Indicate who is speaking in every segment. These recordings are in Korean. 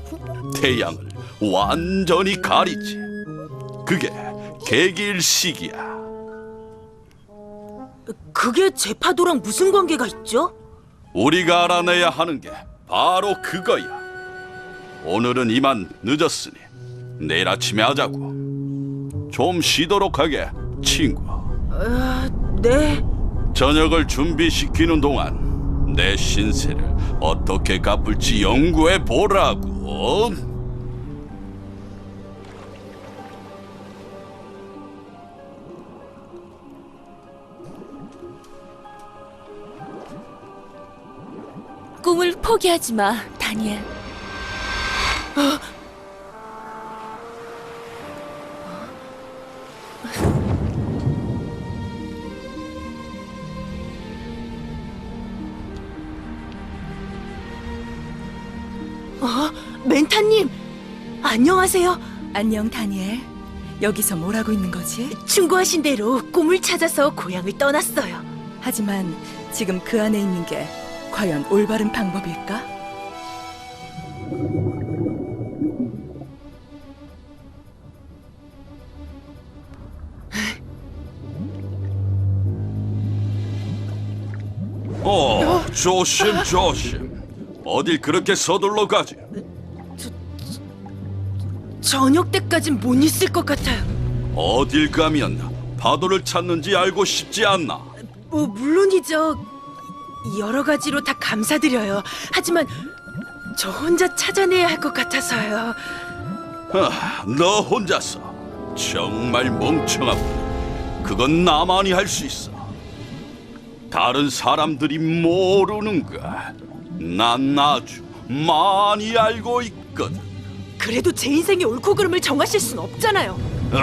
Speaker 1: 태양을 완전히 가리지. 그게 개기일식이야.
Speaker 2: 그게 제 파도랑 무슨 관계가 있죠?
Speaker 1: 우리가 알아내야 하는 게 바로 그거야. 오늘은 이만 늦었으니 내일 아침에 하자고. 좀 쉬도록 하게, 친구.
Speaker 2: 네.
Speaker 1: 저녁을 준비시키는 동안 내 신세를 어떻게 갚을지 연구해 보라고.
Speaker 3: 꿈을 포기하지 마, 다니엘.
Speaker 2: 멘타님, 안녕하세요.
Speaker 3: 안녕, 다니엘. 여기서 뭘 하고 있는 거지?
Speaker 2: 충고하신 대로 꿈을 찾아서 고향을 떠났어요.
Speaker 3: 하지만 지금 그 안에 있는 게 과연 올바른 방법일까?
Speaker 1: 조심 조심. 어딜 그렇게 서둘러 가지?
Speaker 2: 저녁 때까진 못 있을 것 같아요.
Speaker 1: 어딜 가면 파도를 찾는지 알고 싶지 않나?
Speaker 2: 물론이죠. 여러 가지로 다 감사드려요. 하지만 저 혼자 찾아내야 할 것 같아서요.
Speaker 1: 너 혼자서 정말 멍청하고 그건 나만이 할 수 있어. 다른 사람들이 모르는 거 난 아주 많이 알고 있거든.
Speaker 2: 그래도 제 인생의 옳고 그름을 정하실 순 없잖아요.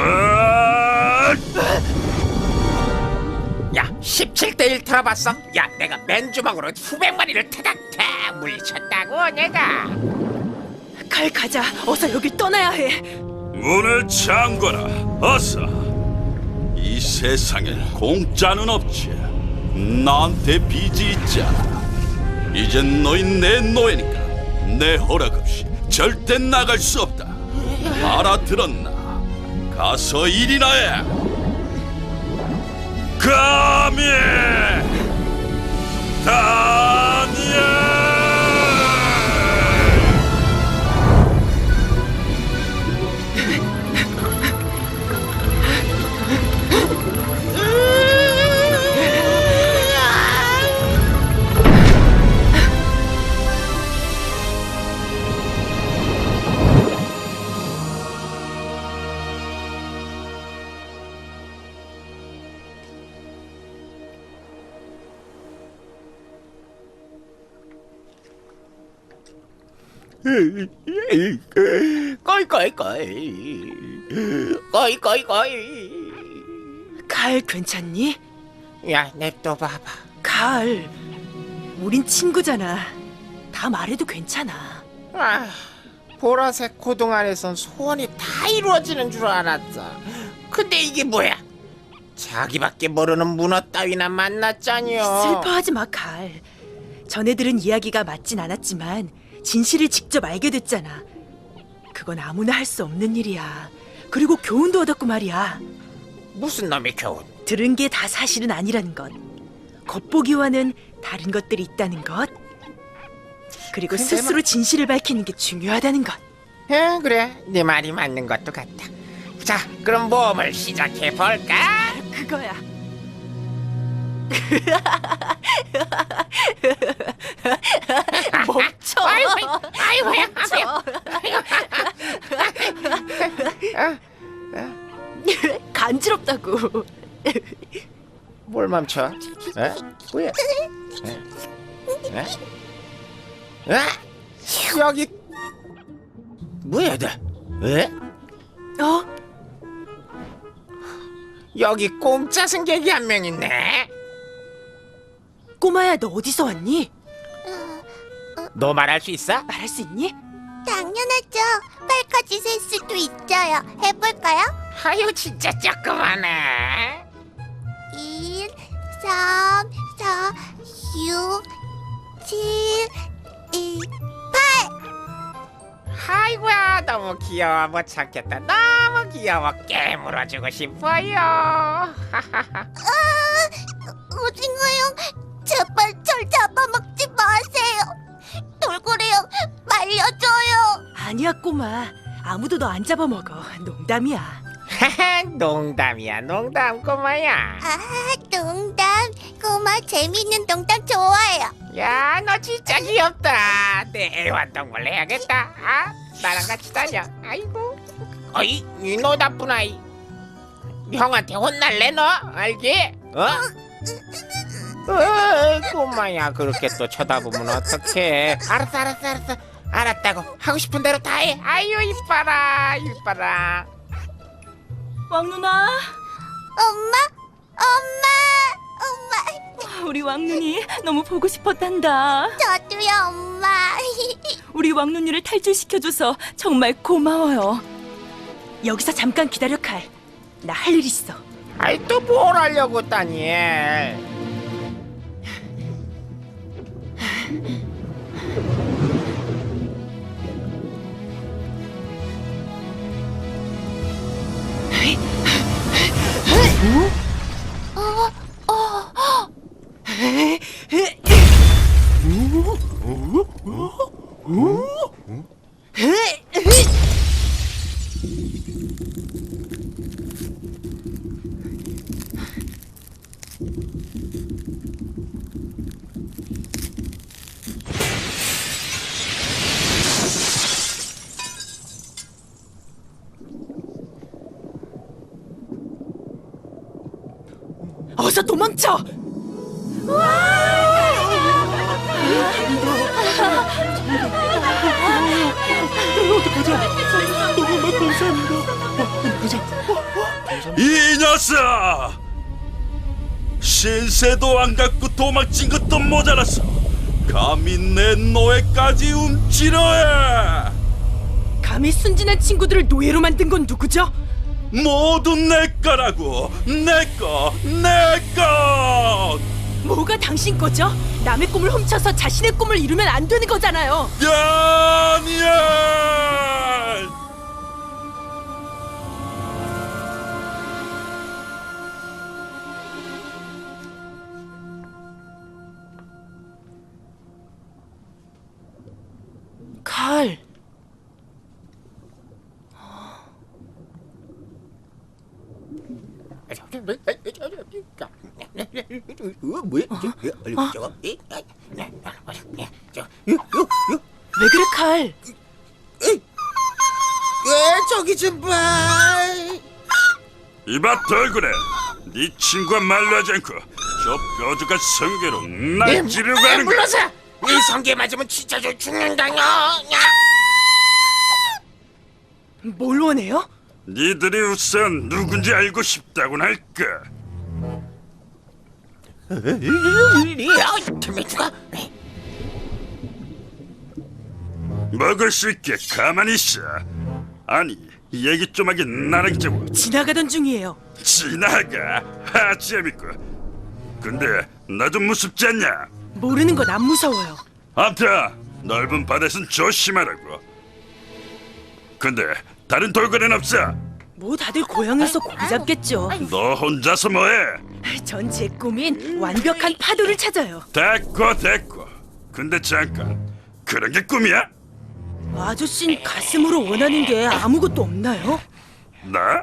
Speaker 4: 야, 17대1 들어봤어? 야, 내가 맨주먹으로 수백 마리를 태닥태 물리쳤다고 내가.
Speaker 2: 칼 가자. 어서 여길 떠나야 해.
Speaker 1: 문을 잠궈라. 어서. 이 세상엔 공짜는 없지. 나한테 빚이 있잖아. 이젠 너희 내 노예니까 내 허락 없이 절대 나갈 수 없다. 알아들었나? 가서 일이나 해. 감히 다니엘.
Speaker 4: 꺼이.
Speaker 2: 칼 괜찮니?
Speaker 4: 야, 냅둬 봐봐.
Speaker 2: 칼, 우린 친구잖아. 다 말해도 괜찮아.
Speaker 4: 아, 보라색 고동 안에선 소원이 다 이루어지는 줄 알았어. 근데 이게 뭐야? 자기밖에 모르는 문어 따위나 만났잖여.
Speaker 2: 슬퍼하지 마, 칼. 전에 들은 이야기가 맞진 않았지만 진실을 직접 알게 됐잖아. 그건 아무나 할 수 없는 일이야. 그리고 교훈도 얻었고 말이야.
Speaker 4: 무슨 놈의 교훈?
Speaker 2: 들은 게 다 사실은 아니라는 것. 겉보기와는 다른 것들이 있다는 것. 그리고
Speaker 4: 근데
Speaker 2: 스스로 진실을 밝히는 게 중요하다는 것.
Speaker 4: 그래, 네 말이 맞는 것도 같다. 자, 그럼 모험을 시작해 볼까?
Speaker 2: 그거야. 멈춰. 간지럽다고.
Speaker 4: 뭘 멈춰? 에? 뭐야? 에? 여기 뭐야, 너? 에? 여기 공짜 승객이 한 명 있네.
Speaker 2: 꼬마야, 너 어디서 왔니?
Speaker 4: 너 말할 수 있어?
Speaker 2: 말할 수 있니?
Speaker 5: 당연하죠. 8까지 셀 수도 있어요. 해볼까요?
Speaker 4: 아유, 진짜 조그마네.
Speaker 5: 1, 3, 4, 6, 7, 2, 8.
Speaker 4: 아이고야 너무 귀여워 못 참겠다. 너무 귀여워. 깨물어주고 싶어요.
Speaker 5: 오징어형, 제발 절 잡아먹지 마세요. 돌고래형, 말려줘요.
Speaker 2: 아니야 꼬마. 아무도 너 안 잡아먹어. 농담이야.
Speaker 4: 농담이야 농담 꼬마야.
Speaker 5: 아, 농담. 꼬마 재밌는 농담 좋아해요.
Speaker 4: 야 너 진짜 귀엽다. 내 애완동물 해야겠다. 아 나랑 같이 다녀. 아이고. 어이 너 나쁜 아이. 형한테 혼날래 너 알지? 어? 꼬마야 그렇게 또 쳐다보면 어떡해. 알았어 알았다고. 하고 싶은 대로 다 해. 아유 이뻐라.
Speaker 3: 왕 누나,
Speaker 5: 엄마? 엄마!
Speaker 3: 우리 왕 누니 너무 보고 싶었단다.
Speaker 5: 저도요, 엄마.
Speaker 3: 우리 왕 누니를 탈출시켜줘서 정말 고마워요.
Speaker 2: 여기서 잠깐 기다려 칼. 나 할 일 있어.
Speaker 4: 아이 또 뭘 하려고 다니엘.
Speaker 2: 어서 도망쳐.
Speaker 1: 이 녀석! 신세도 안 갖고 도망친 것도 모자랐어. 감히 내 노예까지 훔치려 해.
Speaker 2: 감히 순진한 친구들을 노예로 만든 건 누구죠?
Speaker 1: 모두 내 거라고. 내 거.
Speaker 2: 뭐가 당신 거죠? 남의 꿈을 훔쳐서 자신의 꿈을 이루면 안 되는 거잖아요.
Speaker 1: 다니엘!
Speaker 2: 칼. 왜 그래 칼?
Speaker 4: 저기 좀 봐.
Speaker 1: 이봐 돌그래. 네 친구와 말로 하지 않고 저 뾰족한 성계로 날 찌르고 하는 거야.
Speaker 4: 물러서. 이 성게 맞으면 진짜 저 죽는다뇨.
Speaker 2: 뭘 원해요?
Speaker 1: 니들이 우선 누군지 알고 싶다고는 할까?
Speaker 4: 김혜주가
Speaker 1: 먹을 수 있게 가만히 있어. 아니 얘기 좀 하긴 나랑 좀
Speaker 2: 지나가던 중이에요.
Speaker 1: 지나가. 하 재밌고. 근데 나 좀 무섭지 않냐?
Speaker 2: 모르는 건 안 무서워요.
Speaker 1: 아무튼 넓은 바다에선 조심하라고. 근데 다른 돌고래는 없어?
Speaker 2: 뭐 다들 고향에서 고기 잡겠죠.
Speaker 1: 너 혼자서 뭐해?
Speaker 2: 전 제 꿈인 완벽한 파도를 찾아요.
Speaker 1: 됐고. 근데 잠깐, 그런 게 꿈이야?
Speaker 2: 아저씨는 가슴으로 원하는 게 아무것도 없나요?
Speaker 1: 나?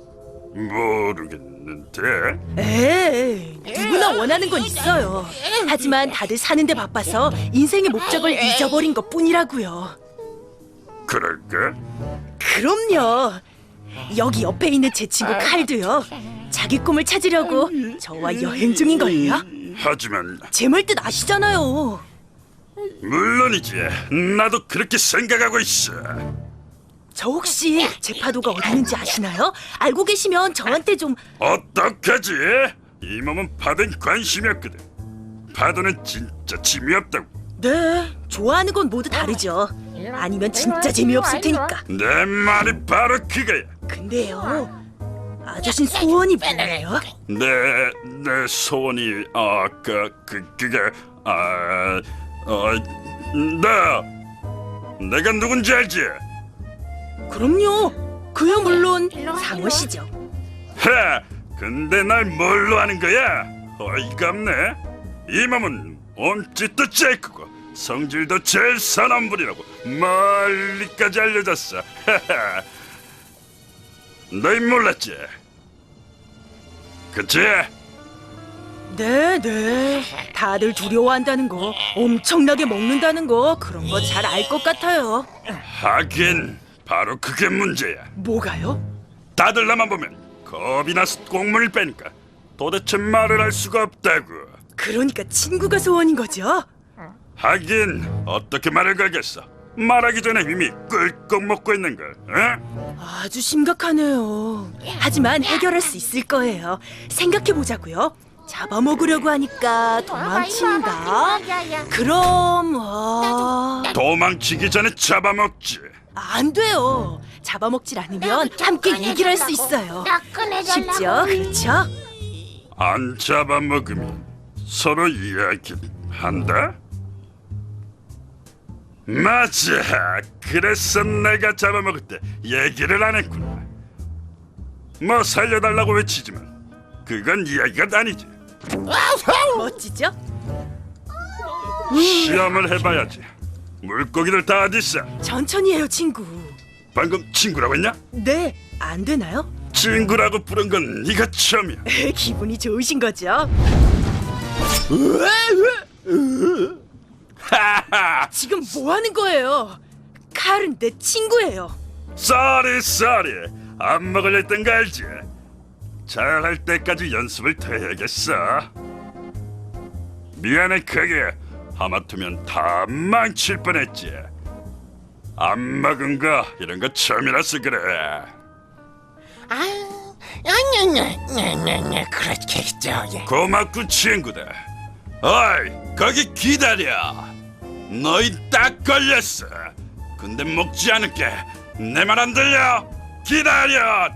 Speaker 1: 모르겠는데.
Speaker 2: 에이, 누구나 원하는 건 있어요. 하지만 다들 사는데 바빠서 인생의 목적을 잊어버린 것 뿐이라고요.
Speaker 1: 그럴까?
Speaker 2: 그럼요. 여기 옆에 있는 제 친구 칼도요. 자기 꿈을 찾으려고 저와 여행 중인걸요.
Speaker 1: 하지만
Speaker 2: 제 말 뜻 아시잖아요.
Speaker 1: 물론이지. 나도 그렇게 생각하고 있어.
Speaker 2: 저 혹시 제 파도가 어디 있는지 아시나요? 알고 계시면 저한테 좀...
Speaker 1: 어떡하지? 이 몸은 파도엔 관심이 없거든. 파도는 진짜 재미없다고.
Speaker 2: 네, 좋아하는 건 모두 다르죠. 아니면 진짜 재미없을 테니까.
Speaker 1: 내 말이 바로 그거야.
Speaker 2: 근데요, 아저씨 소원이 뭐예요?
Speaker 1: 내 소원이 그게 내가 누군지 알지?
Speaker 2: 그럼요. 그야 물론
Speaker 4: 일로 와,
Speaker 2: 상어시죠.
Speaker 1: 헤, 근데 날 뭘로 하는 거야? 어이가 없네. 이 몸은 몸짓도 제일 크고 성질도 제일 선한 분이라고 멀리까지 알려졌어. 헤헤. 너희 몰랐지? 그치?
Speaker 2: 네. 다들 두려워한다는 거, 엄청나게 먹는다는 거 그런 거 잘 알 것 같아요.
Speaker 1: 하긴 바로 그게 문제야.
Speaker 2: 뭐가요?
Speaker 1: 다들 나만 보면 겁이 나서 꽁문을 빼니까 도대체 말을 할 수가 없다고.
Speaker 2: 그러니까 친구가 소원인 거죠?
Speaker 1: 하긴 어떻게 말을 걸겠어. 말하기 전에 이미 꿀꺽 먹고 있는 걸. 어?
Speaker 2: 아주 심각하네요. 하지만 해결할 수 있을 거예요. 생각해 보자고요. 잡아먹으려고 하니까 도망친다.
Speaker 4: 야야.
Speaker 2: 그럼
Speaker 1: 도망치기 전에 잡아먹지.
Speaker 2: 안 돼요. 잡아먹질 않으면 함께 얘기를 할 수 있어요.
Speaker 4: 나 꺼내달라고.
Speaker 2: 쉽죠? 그렇죠?
Speaker 1: 안 잡아먹으면 서로 이야기한다? 맞아. 그래서 내가 잡아먹을 때 얘기를 안 했구나. 뭐 살려달라고 외치지만 그건 이야기가 아니지.
Speaker 2: 멋지죠?
Speaker 1: 시험을 해봐야지. 물고기들 다 어딨어?
Speaker 2: 천천히 해요, 친구.
Speaker 1: 방금 친구라고 했냐?
Speaker 2: 네, 안 되나요?
Speaker 1: 친구라고 부른 건 네가 처음이야.
Speaker 2: 기분이 좋으신 거죠?
Speaker 1: 하하.
Speaker 2: 지금 뭐 하는 거예요? 칼은 내 친구예요.
Speaker 1: 쏘리. 안 먹으려 했던 거 알지? 잘할 때까지 연습을 더 해야겠어. 미안해 그게. 하마터면 다 망칠 뻔했지. 안 먹은 거 이런 거 처음이라서 그래.
Speaker 4: 아냐냐냐냐냐 그렇겠죠. 예.
Speaker 1: 고맙고 친구다. 어이 거기 기다려. 너희 딱 걸렸어. 근데 먹지 않을게. 내 말 안 들려? 기다려.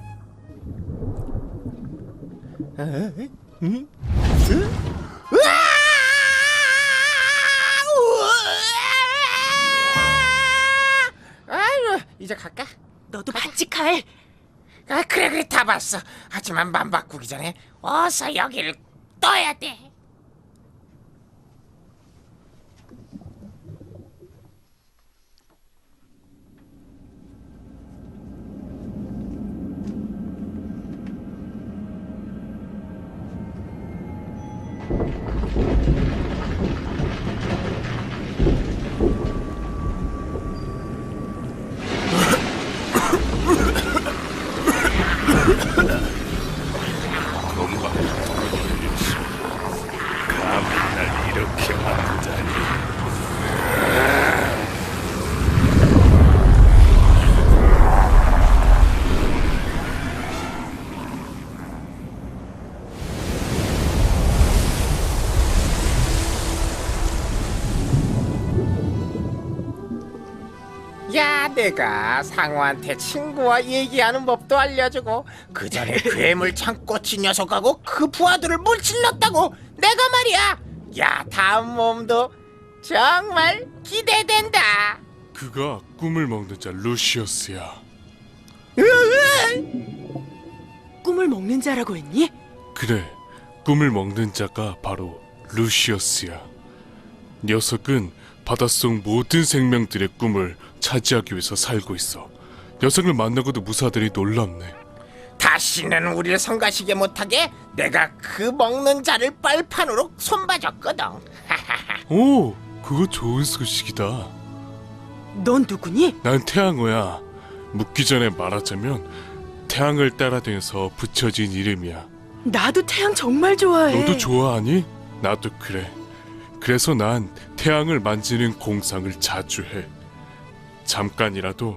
Speaker 4: 아유, 이제 갈까?
Speaker 2: 너도 봤지, 칼?
Speaker 4: 아, 그래 다 봤어. 하지만 맘 바꾸기 전에 어서 여기를 떠야 돼.
Speaker 1: 감히 날 이렇게 만들다니.
Speaker 4: 야, 내가 상어한테 친구와 얘기하는 법도 알려주고 그 전에 괴물 창꼬치 녀석하고 그 부하들을 물질렀다고. 내가 말이야. 야, 다음 몸도 정말 기대된다.
Speaker 6: 그가 꿈을 먹는 자 루시우스야.
Speaker 2: 꿈을 먹는 자라고 했니?
Speaker 6: 그래, 꿈을 먹는 자가 바로 루시우스야. 녀석은 바닷속 모든 생명들의 꿈을 차지하기 위해서 살고 있어. 녀석을 만나고도 무사들이 놀랍네.
Speaker 4: 다시는 우리를 성가시게 못하게 내가 그 먹는 자를 빨판으로 손봐줬거든.
Speaker 6: 오, 그거 좋은 소식이다.
Speaker 2: 넌 누구니?
Speaker 6: 난 태양어야. 묻기 전에 말하자면 태양을 따라다녀서 붙여진 이름이야.
Speaker 2: 나도 태양 정말 좋아해.
Speaker 6: 너도 좋아하니? 나도 그래. 그래서 난 태양을 만지는 공상을 자주 해. 잠깐이라도